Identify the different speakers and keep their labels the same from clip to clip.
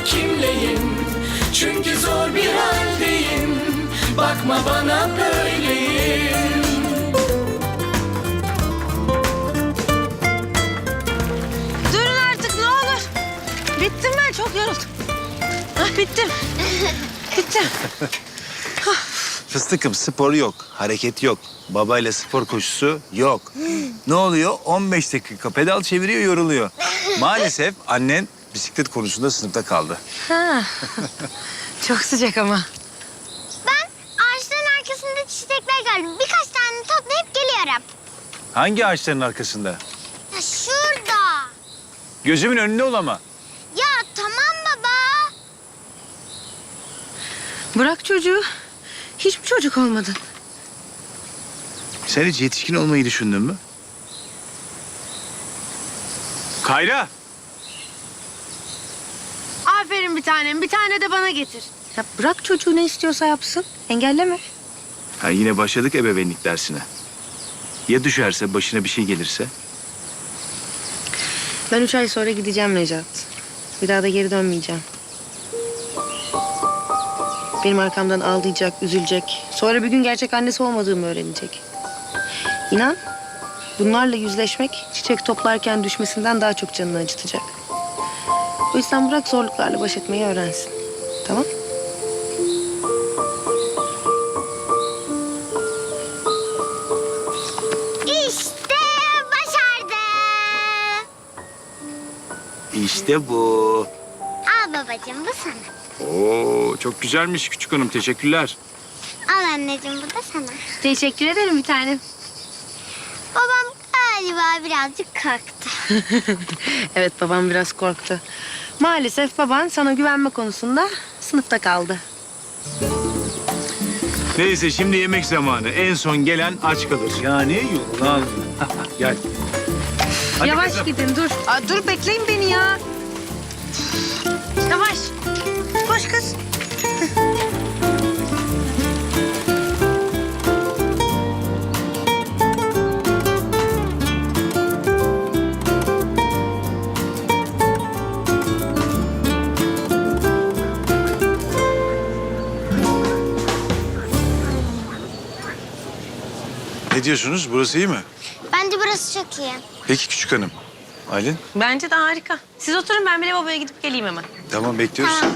Speaker 1: kimleyim? Çünkü zor bir haldeyim. Bakma bana böyleyim.
Speaker 2: Durun artık ne olur. Bittim ben, çok yoruldum. Bittim. Bittim.
Speaker 3: Fıstıkım, spor yok, hareket yok. Babayla spor koşusu yok. Ne oluyor? 15 dakika pedal çeviriyor, yoruluyor. Maalesef annen bisiklet konusunda sınıfta kaldı.
Speaker 2: Ha. Çok sıcak ama.
Speaker 4: Ben ağaçların arkasında çiçekler gördüm. Birkaç tane toplayıp geliyorum.
Speaker 3: Hangi ağaçların arkasında?
Speaker 4: Ya şurada.
Speaker 3: Gözümün önünde ol ama.
Speaker 4: Ya tamam baba.
Speaker 2: Bırak çocuğu. Hiç mi çocuk olmadın?
Speaker 3: Sen hiç yetişkin olmayı düşündün mü? Kayra!
Speaker 2: Aferin bir tanem. Bir tane de bana getir. Ya bırak çocuğu, ne istiyorsa yapsın. Engelleme.
Speaker 3: Ha, yine başladık ebeveynlik dersine. Ya düşerse, başına bir şey gelirse?
Speaker 2: Ben 3 ay sonra gideceğim Necat. Bir daha da geri dönmeyeceğim. Benim arkamdan ağlayacak, üzülecek. Sonra bir gün gerçek annesi olmadığımı öğrenecek. İnan, bunlarla yüzleşmek çiçek toplarken düşmesinden daha çok canını acıtacak. O yüzden bırak zorluklarla baş etmeyi öğrensin. Tamam?
Speaker 4: İşte başardı.
Speaker 3: İşte bu.
Speaker 4: Al babacığım, bu sana.
Speaker 3: Oo, çok güzelmiş küçük hanım. Teşekkürler.
Speaker 4: Al anneciğim, bu da sana.
Speaker 2: Teşekkür ederim bir tanem.
Speaker 4: Babam galiba birazcık korktu.
Speaker 2: Evet, babam biraz korktu. Maalesef baban sana güvenme konusunda sınıfta kaldı.
Speaker 3: Neyse, şimdi yemek zamanı. En son gelen aç kalır. Yani yorulan. Gel. Hadi
Speaker 2: Yavaş
Speaker 3: kızım.
Speaker 2: gidin, dur. Dur, bekleyin beni ya. Yavaş. Koş kız.
Speaker 3: Ne diyorsunuz? Burası iyi mi?
Speaker 4: Bence burası çok iyi.
Speaker 3: Peki küçük hanım. Aylin?
Speaker 2: Bence de harika. Siz oturun, ben bile babaya gidip geleyim hemen.
Speaker 3: Tamam, bekliyoruz.
Speaker 4: Tamam.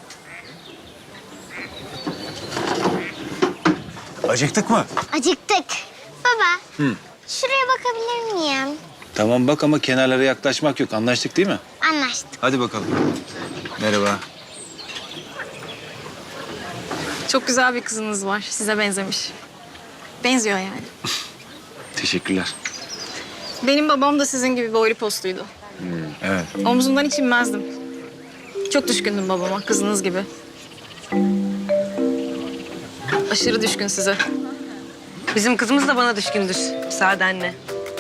Speaker 3: Acıktık mı?
Speaker 4: Acıktık. Baba,
Speaker 3: Hı.
Speaker 4: şuraya bakabilir miyim?
Speaker 3: Tamam bak, ama kenarlara yaklaşmak yok. Anlaştık değil mi?
Speaker 4: Anlaştık.
Speaker 3: Hadi bakalım. Merhaba.
Speaker 5: Çok güzel bir kızınız var. Size benzemiş. Benziyor yani.
Speaker 3: Teşekkürler.
Speaker 5: Benim babam da sizin gibi boylu postuydu.
Speaker 3: Evet.
Speaker 5: Omzundan hiç inmezdim. Çok düşkündüm babama, kızınız gibi. Aşırı düşkün size.
Speaker 2: Bizim kızımız da bana düşkündür. Müsaade anne.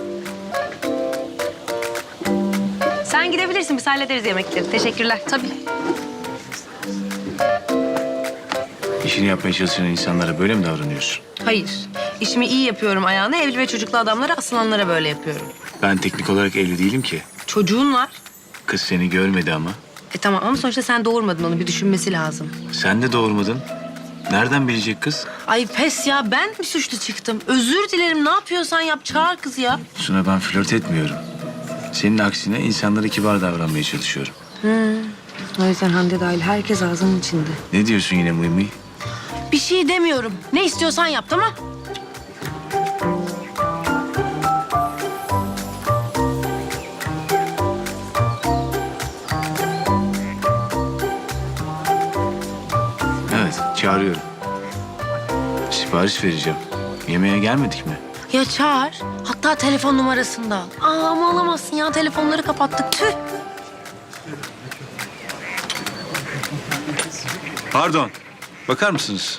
Speaker 2: Sen gidebilirsin, biz hallederiz yemekleri. Teşekkürler.
Speaker 5: Tabii.
Speaker 3: İşini yapmaya çalışan insanlara böyle mi davranıyorsun?
Speaker 2: Hayır. İşimi iyi yapıyorum ayağına. Evli ve çocuklu adamlara, asılanlara böyle yapıyorum.
Speaker 3: Ben teknik olarak evli değilim ki.
Speaker 2: Çocuğun var.
Speaker 3: Kız seni görmedi ama.
Speaker 2: Tamam ama sonuçta sen doğurmadın onu. Bir düşünmesi lazım.
Speaker 3: Sen de doğurmadın. Nereden bilecek kız?
Speaker 2: Ay pes ya, ben mi suçlu çıktım? Özür dilerim, ne yapıyorsan yap, çağır kızı ya.
Speaker 3: Suna, ben flört etmiyorum. Senin aksine insanlara kibar davranmaya çalışıyorum.
Speaker 2: O yüzden Hande dahil herkes ağzının içinde.
Speaker 3: Ne diyorsun yine mıy mıy?
Speaker 2: Bir şey demiyorum. Ne istiyorsan yap, tamam?
Speaker 3: Evet, çağırıyorum. Sipariş vereceğim. Yemeğe gelmedik mi?
Speaker 2: Ya çağır. Hatta telefon numarasını da al. Ama alamazsın ya. Telefonları kapattık. Tüh.
Speaker 3: Pardon. Bakar mısınız?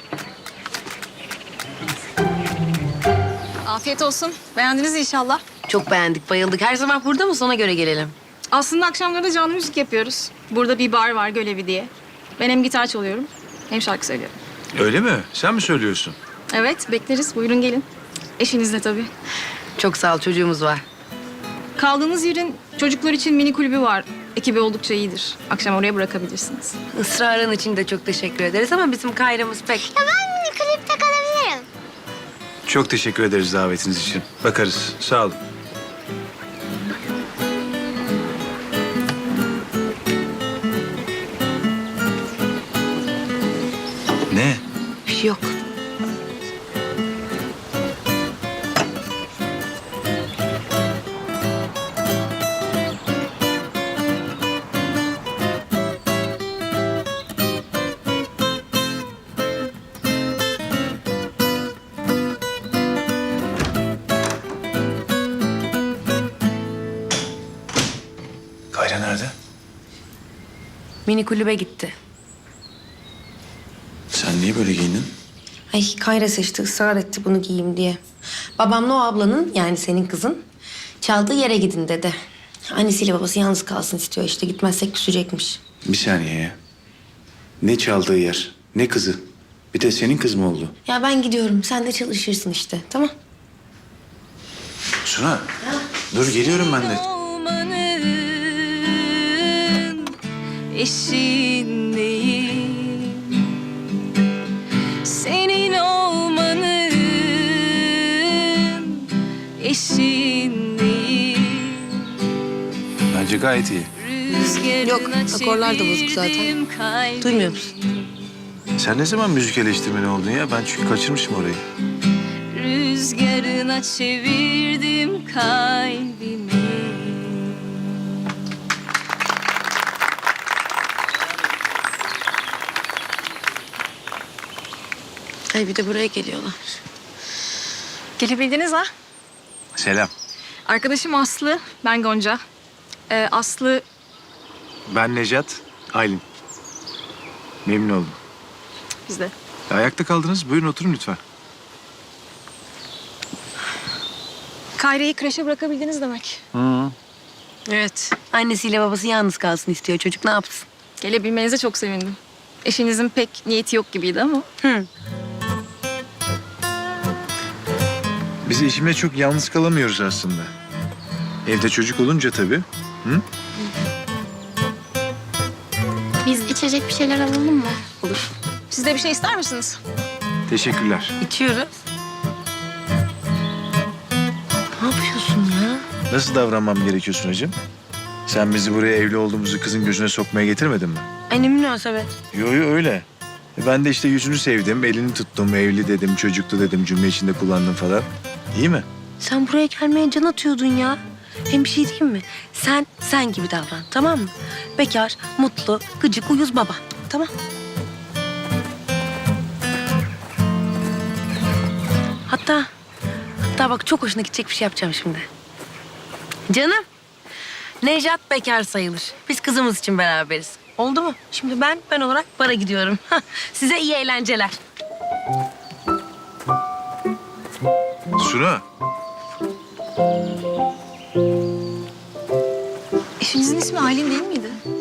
Speaker 5: Afiyet olsun. Beğendiniz inşallah.
Speaker 2: Çok beğendik, bayıldık. Her sabah burada mı? Ona göre gelelim.
Speaker 5: Aslında akşamları da canlı müzik yapıyoruz. Burada bir bar var, Gölevi diye. Ben hem gitar çalıyorum hem şarkı söylüyorum.
Speaker 3: Öyle mi? Sen mi söylüyorsun?
Speaker 5: Evet, bekleriz. Buyurun gelin. Eşinizle tabii.
Speaker 2: Çok sağ ol, çocuğumuz var.
Speaker 5: Kaldığınız yerin çocuklar için mini kulübü var. Ekibi oldukça iyidir. Akşam oraya bırakabilirsiniz.
Speaker 2: Israrın için de çok teşekkür ederiz ama bizim Kayra'mız pek...
Speaker 4: Ya ben mini klipte kalabilirim.
Speaker 3: Çok teşekkür ederiz davetiniz için. Bakarız. Sağ olun. Ne?
Speaker 2: Bir şey yok.
Speaker 3: Kayra nerede?
Speaker 2: Mini kulübe gitti.
Speaker 3: Sen niye böyle giyindin?
Speaker 2: Ay Kayra seçti, ısrar etti bunu giyeyim diye. Babamla o ablanın, yani senin kızın, çaldığı yere gidin dedi. Annesiyle babası yalnız kalsın istiyor işte. Gitmezsek küsecekmiş.
Speaker 3: Bir saniye ya. Ne çaldığı yer, ne kızı. Bir de senin kız mı oldu?
Speaker 2: Ya ben gidiyorum. Sen de çalışırsın işte. Tamam.
Speaker 3: Suna, dur geliyorum ben de.
Speaker 1: Olmanın eşindeyim. Senin olmanın eşindeyim.
Speaker 3: Bence gayet iyi.
Speaker 2: Yok, akorlar da bozuk zaten. Duymuyor musun?
Speaker 3: Sen ne zaman müzik eleştirmeni oldun ya? Ben çünkü kaçırmışım orayı.
Speaker 1: Rüzgarına çevirdim kalbimi.
Speaker 2: Ay bir de buraya geliyorlar.
Speaker 5: Gelebildiniz ha?
Speaker 3: Selam.
Speaker 5: Arkadaşım Aslı, ben Gonca. Aslı
Speaker 3: Ben Necat, Aylin. Memnun oldum.
Speaker 5: bizde.
Speaker 3: Ayakta kaldınız. Buyurun oturun lütfen.
Speaker 5: Kayra'yı kreşe bırakabildiniz demek.
Speaker 2: Evet. Annesiyle babası yalnız kalsın istiyor. Çocuk ne yapsın?
Speaker 5: Gelebilmenize çok sevindim. Eşinizin pek niyeti yok gibiydi ama.
Speaker 3: Biz eşimle çok yalnız kalamıyoruz aslında. Evde çocuk olunca tabii.
Speaker 4: Biz içecek bir şeyler alalım mı?
Speaker 5: Olur. Siz de bir şey ister misiniz?
Speaker 3: Teşekkürler.
Speaker 2: İçiyoruz. Ne yapıyorsun ya?
Speaker 3: Nasıl davranmam gerekiyor Sunacığım? Sen bizi buraya evli olduğumuzu kızın gözüne sokmaya getirmedin mi?
Speaker 2: Ay ne münasebet.
Speaker 3: Yo yo öyle. Ben de işte yüzünü sevdim, elini tuttum, evli dedim, çocuklu dedim, cümle içinde kullandım falan. İyi mi?
Speaker 2: Sen buraya gelmeye can atıyordun ya. Hem bir şey diyeyim mi? Sen gibi davran, tamam mı? Bekar, mutlu, gıcık, uyuz baba. Tamam. Hatta bak çok hoşuna gidecek bir şey yapacağım şimdi. Canım, Nejat bekar sayılır. Biz kızımız için beraberiz. Oldu mu? Şimdi ben olarak bara gidiyorum. Size iyi eğlenceler.
Speaker 3: Suna.
Speaker 5: Eşinizin ismi Aylin değil miydi?